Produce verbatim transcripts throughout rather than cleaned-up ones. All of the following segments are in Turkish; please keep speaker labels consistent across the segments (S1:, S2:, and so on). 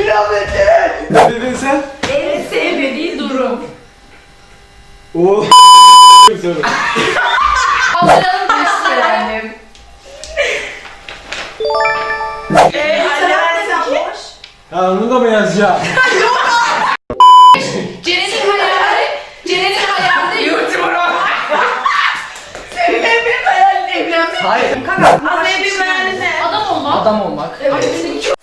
S1: kıyafeti.
S2: Ne dedin sen?
S3: En sevmediği durum.
S2: Oo. Soru.
S3: Kaldıralım taşları.
S1: Eee anne boş.
S2: Ha onu da mı yazacağım?
S3: Ceren'in hayali, Ceren'in hayali YouTuber'a.
S1: Senin en büyük hayalin evlenmek.
S4: Hayır.
S1: Kanka az en büyük hayalin ne?
S3: Adam olmak.
S4: Adam olmak.
S3: Ay, senin çok-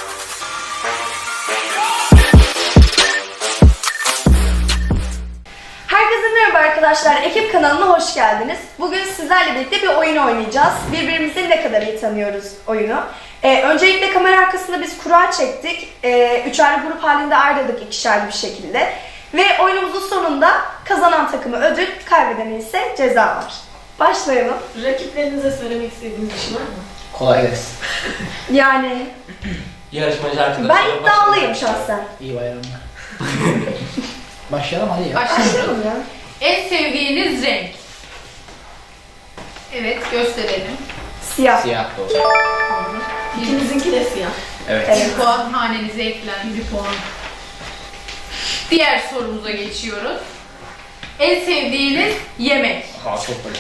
S5: Herkese merhaba arkadaşlar, Ekip kanalına hoş geldiniz. Bugün sizlerle birlikte bir oyun oynayacağız. Birbirimizi ne kadar iyi tanıyoruz oyunu. Ee, öncelikle kamera arkasında biz kura çektik. Ee, üçerli grup halinde ayrıldık ikişerli bir şekilde. Ve oyunumuzun sonunda kazanan takımı ödül, kaybedene ise ceza var. Başlayalım.
S1: Rakiplerinize söylemek istediğiniz bir şey var mı?
S4: Kolay gelsin.
S5: Yani
S4: Yarışmacı arkadaşlar.
S5: ben iddialıyım şahsen.
S4: İyi bayramlar. Başlayalım hadi ya.
S3: Başlayalım.
S5: Ya.
S3: En sevdiğiniz renk. Evet, gösterelim.
S5: Siyah.
S4: Siyah da olsun.
S1: İkinizinki de siyah.
S4: Evet.
S5: Evet.
S3: Bir puan hanenize eklendi. Bir puan. Diğer sorumuza geçiyoruz. En sevdiğiniz yemek.
S4: Ha çok basit.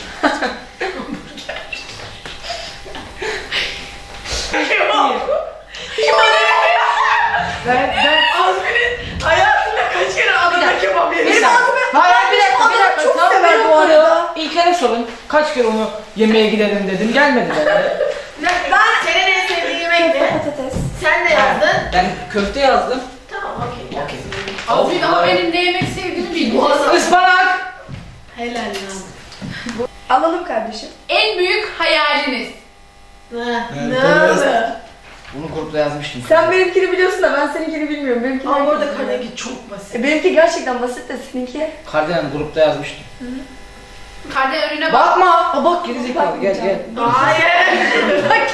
S1: Ben, ben Azmi'nin hayatında kaç kere Adana kebap yemiş?
S5: Benim ağzıma...
S4: Hayır bir dakika bir dakika.
S5: Çok
S4: Tam
S5: severim
S4: ben
S5: bu arada.
S4: İlker'e sorun. Kaç kere onu yemeğe gidelim dedim. Gelmediler.
S1: Ben senin en sevdiğin yemek ne?
S5: Patates.
S1: Sen de yazdın.
S4: Ben köfte yazdım.
S1: Tamam okey.
S4: Okey.
S3: Azmin ama benim ne yemek sevdiğimi bilmiyorum.
S4: Ispanak.
S1: Helal lan.
S5: Alalım kardeşim.
S3: En büyük hayaliniz.
S1: Ne?
S2: Ben
S1: Ne
S2: de
S1: oldu?
S4: Bunu grupta yazmıştım.
S5: Sen benimkini biliyorsun da ben seninkini bilmiyorum. Benimkini
S1: Ama
S5: herkes
S1: orada
S5: biliyor.
S1: Karnegi çok basit.
S5: E, benimki gerçekten basit de seninki.
S4: Kardelen grupta yazmıştım.
S3: Kardeş önüne bak.
S4: Bakma. Ha bak gerizekalı gel gel.
S1: Hayır.
S5: Bak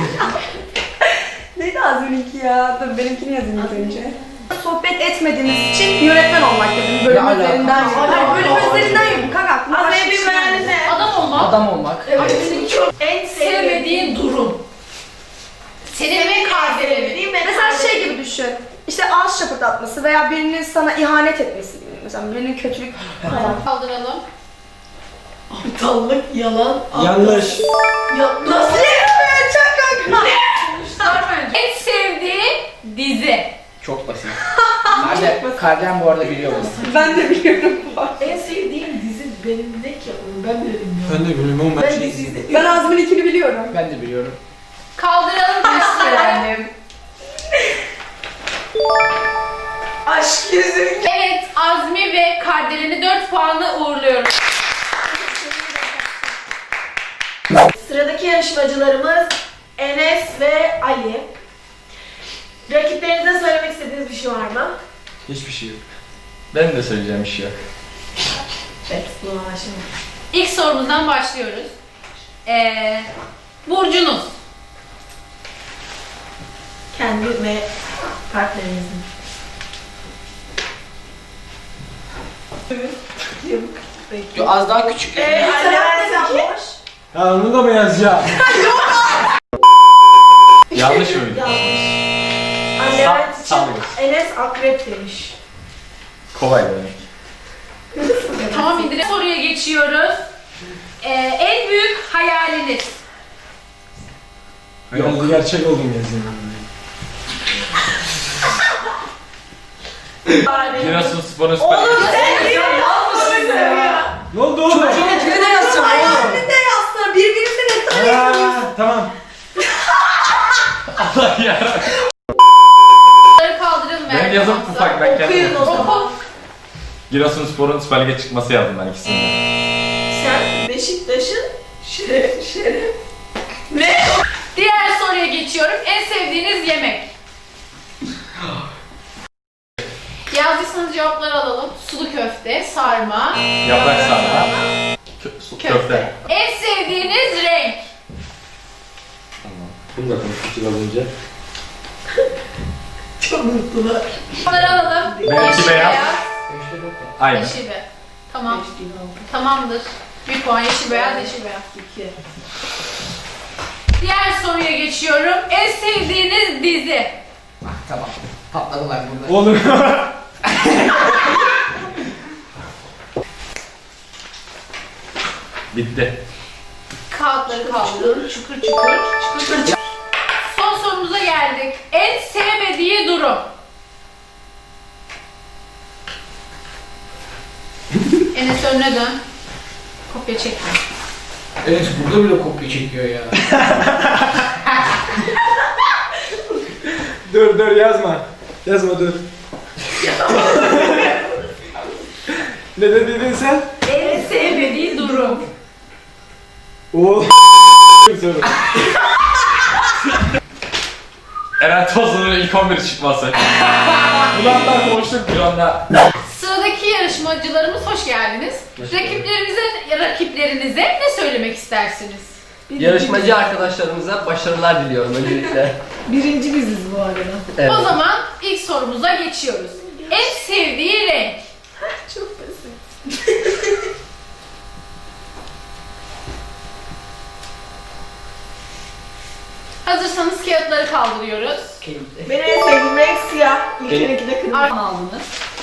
S5: neydi az benimki ya? Dur benimkini yazayım ilk önce. Sohbet etmediğiniz için yönetmen olmak dedim. Bölüm
S4: Ne alaka?
S5: üzerinden yürü.
S1: Hayır,
S5: Hayır bölüm
S1: hayır.
S5: üzerinden yürü. Kanka aklıma
S1: Az
S5: başka
S1: en
S5: bir
S1: büyük
S5: şey
S1: hayalin
S5: gelmedi.
S1: ne?
S3: Adam olmak.
S4: Adam olmak.
S1: Evet. Çok en sevmediğin
S3: Sevmediğin durum. Senin ve kardeşlerin.
S1: değil mi?
S5: Mesela şey gibi düşün. İşte ağız şapırdatması veya birinin sana ihanet etmesi gibi. Mesela birinin kötülük falan.
S3: Kaldıralım.
S1: Aptallık, yalan.
S2: Yanlış.
S1: Ya, nasıl yapıyor? Çok korkunç.
S3: En sevdiğin dizi.
S4: Çok basit. Kardelen, Kardelen bu arada biliyor bunu.
S5: Ben de biliyorum bu arada.
S1: En sevdiğim dizi benim ne ki? Ben bile bilmiyorum.
S2: Ben de bilmiyorum ama ben
S1: Ben
S2: şey
S1: dizi
S2: izledim.
S1: izlemiyorum.
S5: Ben Azmi'ninkini biliyorum.
S4: Ben de biliyorum.
S3: Kaldıralım taşları.
S1: Aşk yüzü.
S3: Evet, Azmi ve Kardelen'i dört puanla uğurluyoruz.
S1: Sıradaki yarışmacılarımız Enes ve Ali. Rakiplerinize söylemek istediğiniz bir şey var mı?
S2: Hiçbir şey yok.
S6: Benim de söyleyeceğim bir şey yok.
S1: Evet, buna şimdi.
S3: İlk sorumuzdan başlıyoruz. Ee, Burcunuz.
S1: Kendi ve partnerinizin.
S4: Yo, az daha küçük.
S1: Eee, Ali boş.
S2: Ha onu da mı yazacağım?
S6: Yanlış mıydı?
S1: Anne
S6: Sa-
S1: evet için
S6: sallıyoruz.
S1: Enes akrep demiş.
S6: Kolay demek.
S3: Tamam, İdris soruya geçiyoruz. Ee, en büyük hayaliniz.
S2: Yok. Gerçek oldum yazayım.
S6: Giresunspor'un süper.
S1: Oğlum sen niye yapmışsın ya?
S2: Ne oldu oğlum?
S4: Çocuğun de yazsam oğlum.
S5: Hayalinde yazsana birbirinize ne kadar iyi tanıyorsunuz.
S2: Ha, tamam.
S6: Allah ya.
S3: Bunları kaldırın
S6: Benim
S3: Merve
S6: yazım
S3: Hamza.
S6: ufak, ben kendim
S1: Okuyun o
S6: okuyacağım.
S1: zaman.
S3: Oku.
S6: Giresunspor'un Süper Lig'e çıkması yazdım ben ikisini de.
S1: Sen Beşiktaş'ın şeref şeref. Ne?
S3: Diğer soruya geçiyorum. En sevdiğiniz yemek. Yazdıysanız cevapları alalım. Sulu köfte, sarma,
S6: Yaprak sarma. Kö- su-
S3: köfte.
S6: köfte.
S3: En sevdiğiniz renk.
S6: Bunu da konuştuk az önce.
S1: Çok mutlular.
S3: Bunları alalım.
S6: Benimki beyaz. Aynen.
S3: Yeşil beyaz. Tamam.
S1: Beş değil, altı,
S3: Tamamdır. Bir puan yeşil beyaz, yeşil beyaz.
S1: iki.
S3: Diğer soruya geçiyorum. En sevdiğiniz dizi.
S4: Ah, tamam. Patladılar burada.
S2: Oğlum.
S6: Bitti.
S3: Kağıtları kaldırın. Çukur çukur. Çukur çukur. Son sorumuza geldik. En sevmediği durum. Enes önüne dön. Kopya çekme.
S4: Evet burada bile kopya çekiyor ya.
S2: Dur dur yazma. Yazma dur. Ne dedin sen?
S3: En sevmediği durum.
S2: Oo. soru.
S6: Eren Tozlu'nun ilk on bir çıkması.
S2: Ulan ben konuştuk.
S6: Bir anda
S3: Sıradaki yarışmacılarımız hoş geldiniz. Rakiplerinize, rakiplerinize ne söylemek istersiniz?
S7: Yarışmacı arkadaşlarımıza başarılar diliyorum öncelikle.
S1: Birinci biziz bu arada.
S7: Evet.
S3: O zaman ilk sorumuza geçiyoruz. En sevdiği renk.
S1: Çok basit.
S3: Hazırsanız kağıtları kaldırıyoruz.
S1: Benim en sevdiğim renk siyah. İlkindeki de kırmızı.
S3: Arkadan aldınız.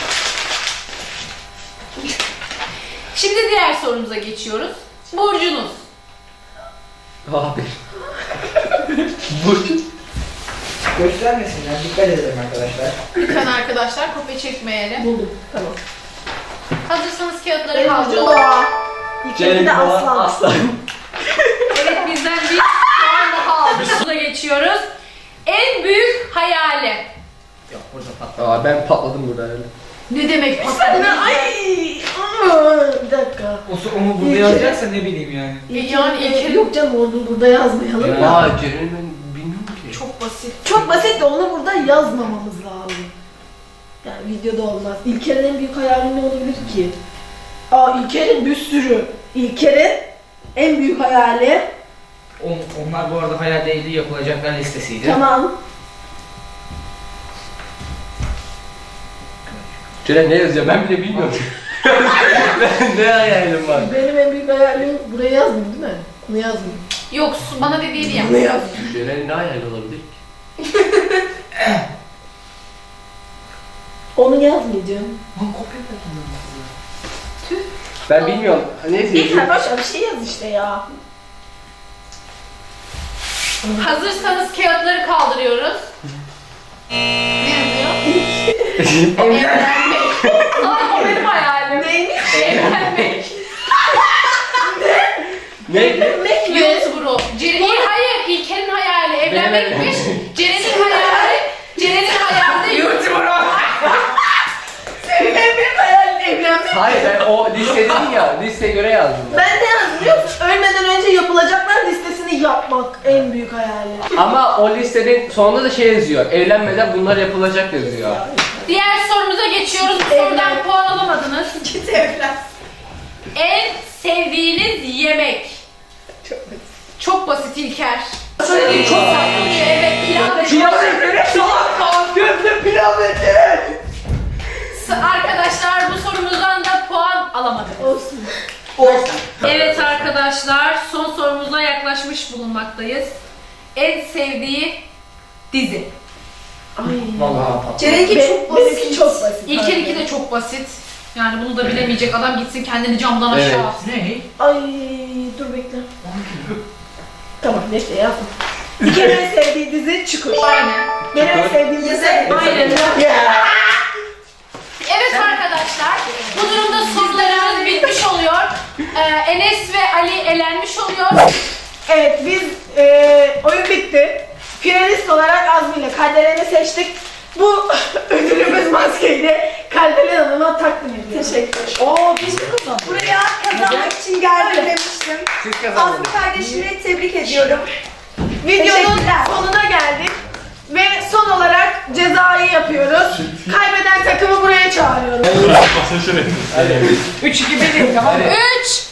S3: Şimdi diğer sorumuza geçiyoruz. Burcunuz.
S7: Abi. Burç.
S4: Göstermesinler, dikkat edelim arkadaşlar.
S3: Lütfen arkadaşlar kopya çekmeyelim.
S1: Buldum. Tamam.
S3: Hazırsanız kağıtları
S1: Benim burcum
S3: kaldırıyoruz.
S1: boğa. İlkindeki de aslan.
S7: Aslan.
S3: Evet, bizden bir puan daha aldık. Sorumuza geçiyoruz. En büyük hayali.
S4: Yok burada patladı.
S7: Aa, ben patladım burada herhalde.
S3: Ne demek
S1: Sen
S3: patladı?
S1: de ay. Aa, bir dakika.
S4: O onu burada yazacaksa ne bileyim yani.
S3: E yani İlker'in-
S1: Yok canım onu burada yazmayalım.
S4: Ya.
S7: Aa, Ceren'i ben bilmiyorum ki.
S3: Çok basit.
S1: Çok basit de onu burada yazmamamız lazım. Yani videoda olmaz. İlker'in en büyük hayali ne olabilir ki? Aa İlker'in bir sürü. İlker'in en büyük hayali.
S4: On, onlar bu arada hayal değildi, yapılacaklar listesiydi.
S1: Tamam.
S7: Ceren ne yazıyor ben bile bilmiyorum. Ben ne hayalim var?
S1: Benim en büyük hayalim buraya yazdım değil mi? Bunu yazdım.
S3: Yok, su- bana dediğini yap.
S1: Bunu yazdım.
S7: Ceren'in ne hayali olabilir ki?
S1: Onu yazmayacağım.
S4: Lan kopya patladı.
S7: Ben bilmiyorum. Neyse.
S1: İlker başka bir şey yaz işte ya.
S3: Hazırsanız kağıtları kaldırıyoruz. Ne yazıyor? Evlenmek. Aa, o benim hayalim.
S1: Neymiş?
S3: Evlenmek.
S7: Ne?
S1: Evlenmek mi?
S3: YouTuber'u. Ceren, hayır, İlker'in hayali evlenmekmiş. Ceren'in hayali, Ceren'in hayali YouTuber.
S1: Senin en büyük hayalin evlenmek.
S7: Hayır ben o liste dedin ya listeye göre yazdım ben.
S1: Ben de yazdım biliyor musun? Ölmeden önce yapılacaklar listesini yapmak en büyük hayali.
S7: Ama o listenin sonunda da şey yazıyor. Evlenmeden bunlar yapılacak yazıyor.
S3: Diğer sorumuza geçiyoruz. Bu sorudan
S1: Evlen.
S3: puan alamadınız.
S1: Git evlen.
S3: En sevdiğiniz yemek.
S1: Çok basit.
S3: Çok basit İlker. Söylediğim çok saklanıyor. Evet, pilav ve
S7: Pilav etleri salak gözle pilav etleri.
S3: Arkadaşlar bu sorumuzdan da puan alamadık.
S1: Olsun.
S3: Evet arkadaşlar, son sorumuza yaklaşmış bulunmaktayız. En sevdiği dizi.
S1: Ay.
S4: Vallahi patladı.
S5: Ceren'inki
S1: Be-
S5: çok basit.
S1: Benimki çok basit.
S3: İlker iki de çok basit. Yani bunu da bilemeyecek adam gitsin kendini camdan aşağı
S7: Evet.
S3: atsın.
S4: Ne?
S1: Ay dur bekle. Tamam neyse yazdım. İlker'in en sevdiği dizi Çukur.
S3: Aynen.
S1: Benim en sevdiğim dizi.
S3: Aynen.
S1: Ya.
S3: Evet arkadaşlar, bu durumda sorularımız bitmiş oluyor. Ee, Enes ve Ali elenmiş oluyor.
S1: Evet biz e, oyun bitti. Finalist olarak Azmi ile Kalderen'i seçtik. Bu ödülümüz maskeyi Kalderen Hanım'a takdim ediyoruz. Teşekkür.
S5: Oo biz buraya kazanmak için geldim demiştim.
S7: Siz
S5: Azmi
S7: kazandınız.
S5: kardeşimi tebrik ediyorum.
S1: Videonun
S5: Teşekkürler.
S1: sonuna geldik. Ve son olarak cezayı yapıyoruz. Kaybeden takımı buraya çağırıyoruz.
S6: masaya şöyle.
S4: üç iki bir tamam mı?
S3: üç,